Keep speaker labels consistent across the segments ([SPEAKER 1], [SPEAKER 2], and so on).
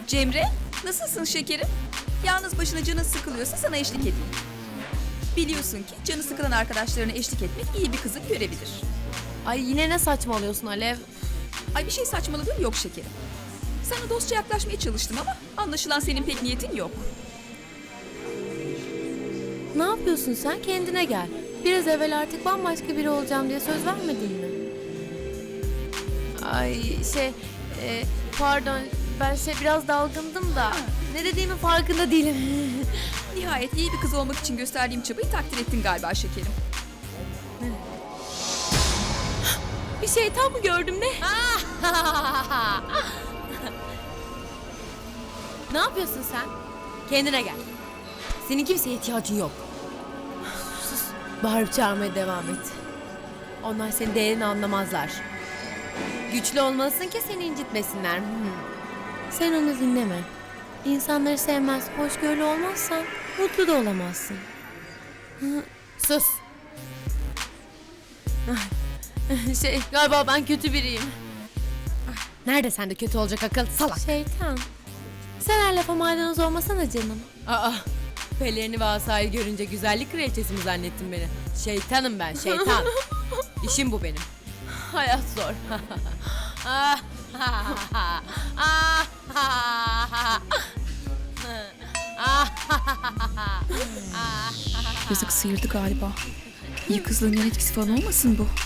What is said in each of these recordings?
[SPEAKER 1] Cemre, nasılsın şekerim? Yalnız başına canın sıkılıyorsa sana eşlik edeyim. Biliyorsun ki canı sıkılan arkadaşlarına eşlik etmek iyi bir kızın görevidir.
[SPEAKER 2] Ay yine ne saçmalıyorsun Alev?
[SPEAKER 1] Ay bir şey saçmaladığım yok şekerim. Sana dostça yaklaşmaya çalıştım ama anlaşılan senin pek niyetin yok.
[SPEAKER 2] Ne yapıyorsun sen? Kendine gel. Biraz evvel artık bambaşka biri olacağım diye söz vermedin mi? Ay pardon ben biraz dalgındım da ne dediğimin farkında değilim.
[SPEAKER 1] Nihayet iyi bir kız olmak için gösterdiğim çabayı takdir ettin galiba şekerim.
[SPEAKER 2] Bir şeytan mı gördüm ne? Ne yapıyorsun sen? Kendine gel. Senin kimseye ihtiyacın yok. Sus. Bağırıp çağırmaya devam et. Onlar senin değerini anlamazlar. Güçlü olmalısın ki seni incitmesinler. Sen onu dinleme. İnsanları sevmez, hoşgörülü olmazsan mutlu da olamazsın. Sus. Galiba ben kötü biriyim. Nerede sende kötü olacak akıl salak? Şeytan. Sen her lafa maydanoz olmasana canım. Aa, pelerini ve asayı görünce güzellik kraliçesi mi zannettin beni? Şeytanım ben, şeytan. İşim bu benim. Hayat zor.
[SPEAKER 1] Yazık sıyırdı galiba. İyi kızlığın yan etkisi falan olmasın bu?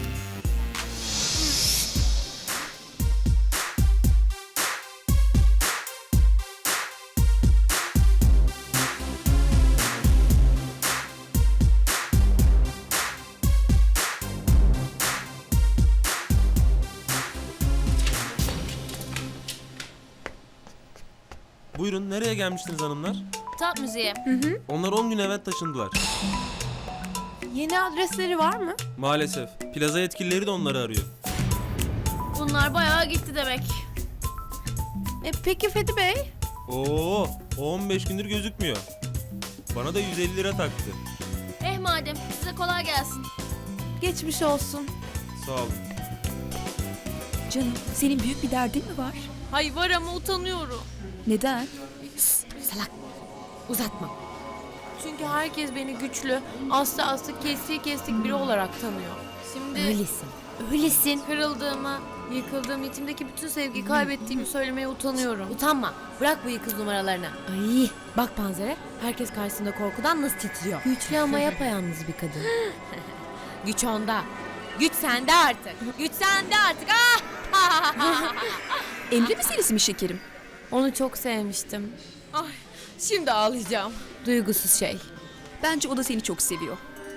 [SPEAKER 3] Buyurun, nereye gelmiştiniz hanımlar?
[SPEAKER 2] Tat müziği.
[SPEAKER 3] Onlar 10 gün evvel taşındılar.
[SPEAKER 2] Yeni adresleri var mı?
[SPEAKER 3] Maalesef. Plaza yetkilileri de onları arıyor.
[SPEAKER 2] Bunlar bayağı gitti demek. Peki Fethi Bey?
[SPEAKER 3] Oo, o 15 gündür gözükmüyor. Bana da 150 lira taktı.
[SPEAKER 2] Madem size kolay gelsin. Geçmiş olsun.
[SPEAKER 3] Sağ olun.
[SPEAKER 1] Canım, senin büyük bir derdin mi var?
[SPEAKER 2] Hay var ama utanıyorum.
[SPEAKER 1] Neden?
[SPEAKER 2] Salak. Uzatma. Çünkü herkes beni güçlü, aslı kestik biri olarak tanıyor. Şimdi öylesin. Kırıldığımı, yıkıldığım, içimdeki bütün sevgiyi kaybettiğimi söylemeye utanıyorum. Utanma. Bırak bu yıkız numaralarını. Ay, bak Panzer'e. Herkes karşısında korkudan nasıl titriyor. Güçlü ama yapayalnız bir kadın. Güç onda. Güç sende artık. Güç sende artık.
[SPEAKER 1] Emre meselesi mi şekerim?
[SPEAKER 2] Onu çok sevmiştim. Ay, şimdi ağlayacağım. Duygusuz şey.
[SPEAKER 1] Bence o da seni çok seviyor.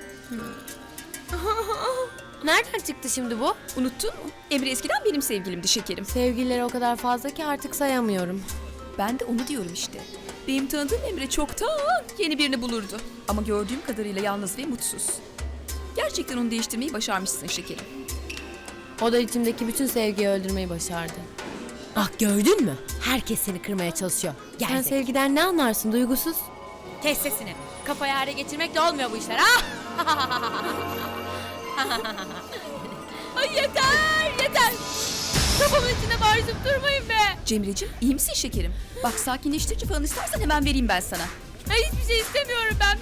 [SPEAKER 2] Nereden çıktı şimdi bu?
[SPEAKER 1] Unuttun mu? Emre eskiden benim sevgilimdi şekerim.
[SPEAKER 2] Sevgililer o kadar fazla ki artık sayamıyorum.
[SPEAKER 1] Ben de onu diyorum işte. Benim tanıdığım Emre çoktan yeni birini bulurdu. Ama gördüğüm kadarıyla yalnız ve mutsuz. Gerçekten onu değiştirmeyi başarmışsın şekerim.
[SPEAKER 2] O da içimdeki bütün sevgiyi öldürmeyi başardı. Bak gördün mü? Herkes seni kırmaya çalışıyor. Sen sevgiden ne anlarsın duygusuz? Kes sesini. Kafayı hale getirmekle olmuyor bu işler. Ay yeter. Kafamın içine bağırıp durmayın be.
[SPEAKER 1] Cemre'cim iyi misin şekerim? Bak sakinleştirici falan istersen hemen vereyim ben sana.
[SPEAKER 2] Ay, hiçbir şey istemiyorum ben be.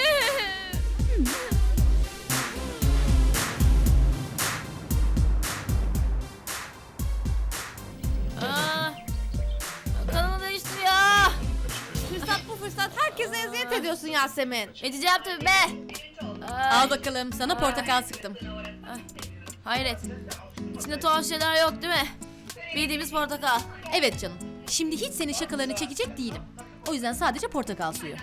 [SPEAKER 2] Kanımı değiştir ya. Fırsat bu fırsat. Herkese eziyet ediyorsun Yasemin. Edeceğim tabii be.
[SPEAKER 4] Al bakalım, sana portakal sıktım.
[SPEAKER 2] Hayret. İçinde tuhaf şeyler yok değil mi? Bildiğimiz portakal.
[SPEAKER 4] Evet canım, şimdi hiç senin şakalarını çekecek değilim. O yüzden sadece portakal suyu.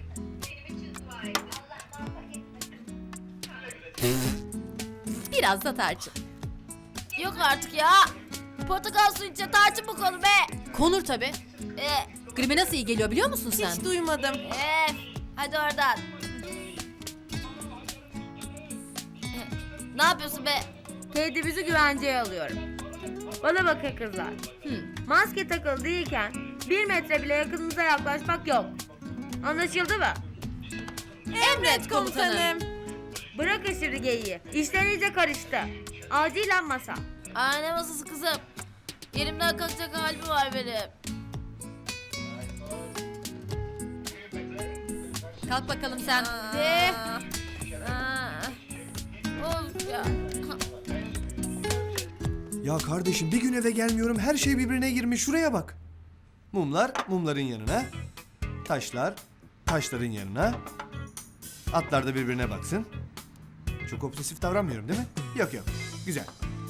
[SPEAKER 4] Biraz da tarçın.
[SPEAKER 2] Yok artık ya. Portakal suyu içine tarçın mı konu be?
[SPEAKER 4] Konur tabii. Gribe nasıl iyi geliyor biliyor musun sen?
[SPEAKER 2] Hiç duymadım. Hadi oradan. Ne yapıyorsun be?
[SPEAKER 5] Kendimizi güvenceye alıyorum. Bana bakın kızlar. Maske takılı değilken 1 metre bile yakınınıza yaklaşmak yok. Anlaşıldı mı?
[SPEAKER 4] Emret komutanım.
[SPEAKER 5] Bırakın şimdi geyiği. İşler iyice karıştı. Acilen masa.
[SPEAKER 2] Ne masası kızım? Yerimden kalkacak halim var benim.
[SPEAKER 4] Kalk bakalım sen.
[SPEAKER 2] De. Of ya.
[SPEAKER 6] Ya kardeşim bir gün eve gelmiyorum her şey birbirine girmiş şuraya bak. Mumlar mumların yanına. Taşlar taşların yanına. Atlar da birbirine baksın. Çok obsesif davranmıyorum değil mi? Yok yok. Güzel.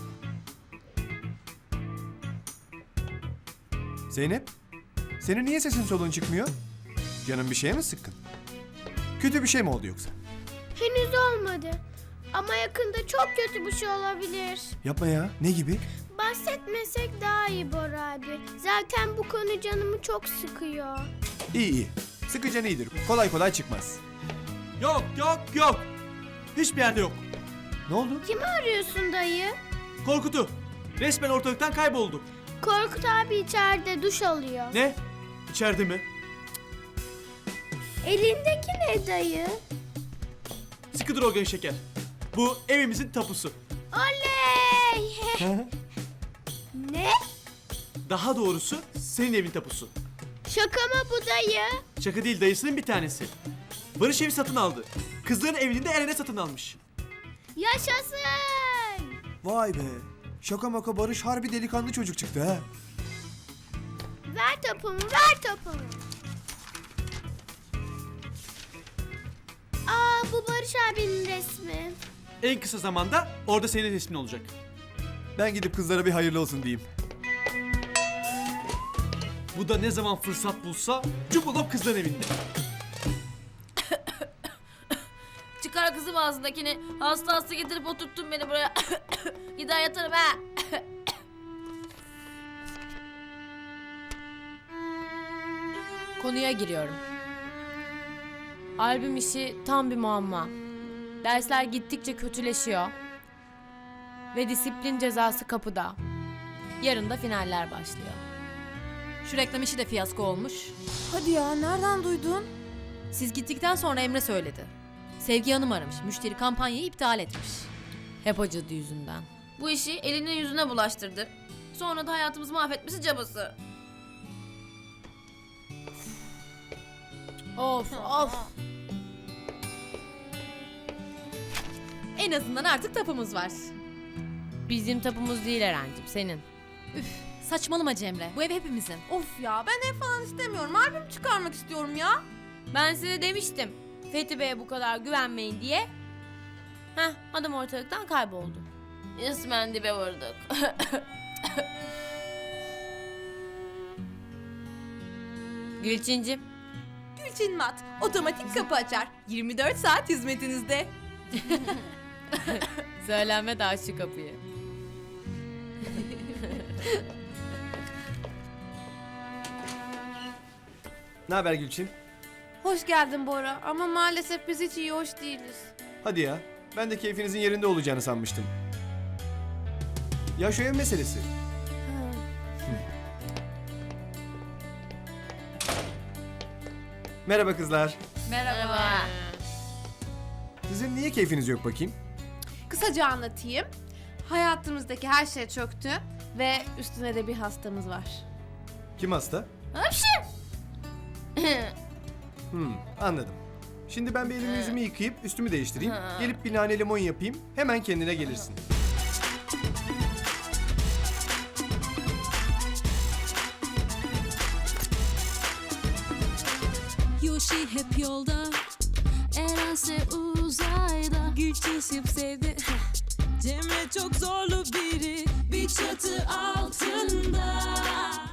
[SPEAKER 6] Zeynep, senin niye sesin soluğun çıkmıyor? Canın bir şeye mi sıkkın? Kötü bir şey mi oldu yoksa?
[SPEAKER 7] Henüz olmadı. Ama yakında çok kötü bir şey olabilir.
[SPEAKER 6] Yapma ya. Ne gibi?
[SPEAKER 7] Bahsetmesek daha iyi Bora abi. Zaten bu konu canımı çok sıkıyor.
[SPEAKER 6] İyi iyi. Sıkıcan iyidir. Kolay kolay çıkmaz.
[SPEAKER 8] Yok yok yok. Hiçbir yerde yok.
[SPEAKER 6] Ne oldu?
[SPEAKER 7] Kimi arıyorsun dayı?
[SPEAKER 8] Korkut'u. Resmen ortalıktan kayboldu.
[SPEAKER 7] Korkut abi içeride duş alıyor.
[SPEAKER 8] Ne? İçeride mi?
[SPEAKER 7] Elindeki ne dayı?
[SPEAKER 8] Sıkı dur o genç şeker. Bu evimizin tapusu.
[SPEAKER 7] Oley! Ne?
[SPEAKER 8] Daha doğrusu senin evin tapusu.
[SPEAKER 7] Şaka mı bu dayı?
[SPEAKER 8] Şaka değil, dayısının bir tanesi. Barış evi satın aldı. Kızların evini de Eren'e satın almış.
[SPEAKER 7] Yaşasın!
[SPEAKER 6] Vay be. Şaka maka Barış harbi delikanlı çocuk çıktı ha.
[SPEAKER 7] Ver topumu, ver topumu. Aa, bu Barış abinin resmi.
[SPEAKER 8] En kısa zamanda orada senin resmin olacak.
[SPEAKER 6] Ben gidip kızlara bir hayırlı olsun diyeyim.
[SPEAKER 8] Bu da ne zaman fırsat bulsa cupulop kızların evinde.
[SPEAKER 2] Çıkar kızım ağzındakini. Hasta hasta getirip oturttun beni buraya. Gider yatarım ha. Konuya giriyorum. Albüm işi tam bir muamma. Dersler gittikçe kötüleşiyor. Ve disiplin cezası kapıda. Yarın da finaller başlıyor.
[SPEAKER 4] Şu reklam işi de fiyasko olmuş.
[SPEAKER 2] Hadi ya, nereden duydun?
[SPEAKER 4] Siz gittikten sonra Emre söyledi. Sevgi Hanım aramış. Müşteri kampanyayı iptal etmiş.
[SPEAKER 2] Hep o cadı yüzünden.
[SPEAKER 9] Bu işi eline yüzüne bulaştırdı. Sonra da hayatımızı mahvetmesi cabası.
[SPEAKER 2] Of of.
[SPEAKER 4] En azından artık tapımız var.
[SPEAKER 2] Bizim tapumuz değil Eren'cim, senin.
[SPEAKER 4] Saçmalama Cemre. Bu ev hepimizin.
[SPEAKER 2] Of ya, ben ev falan istemiyorum. Albüm çıkarmak istiyorum ya. Ben size demiştim. Fethi Bey'e bu kadar güvenmeyin diye. Heh, adam ortalıktan kayboldu.
[SPEAKER 9] Resmen dibe vurduk.
[SPEAKER 2] Gülçincim.
[SPEAKER 1] Gülçin Mat, otomatik kapı açar. 24 saat hizmetinizde.
[SPEAKER 2] Söylenme de aç şu kapıyı.
[SPEAKER 6] Ne haber Gülçin?
[SPEAKER 10] Hoş geldin Bora ama maalesef biz hiç iyi hoş değiliz.
[SPEAKER 6] Hadi ya. Ben de keyfinizin yerinde olacağını sanmıştım. Ya şu ev meselesi. Merhaba kızlar.
[SPEAKER 9] Merhaba.
[SPEAKER 6] Sizin niye keyfiniz yok bakayım?
[SPEAKER 10] Kısaca anlatayım. Hayatımızdaki her şey çöktü ve üstüne de bir hastamız var.
[SPEAKER 6] Kim hasta? Anladım. Şimdi ben bir elimi yüzümü yıkayıp üstümü değiştireyim. Gelip bir nane limon yapayım. Hemen kendine gelirsin.
[SPEAKER 11] Yoshi hep yolda, Erense uzayda. Gülçin şıp sevdi. Cemre çok zorlu biri, bir çatı altında.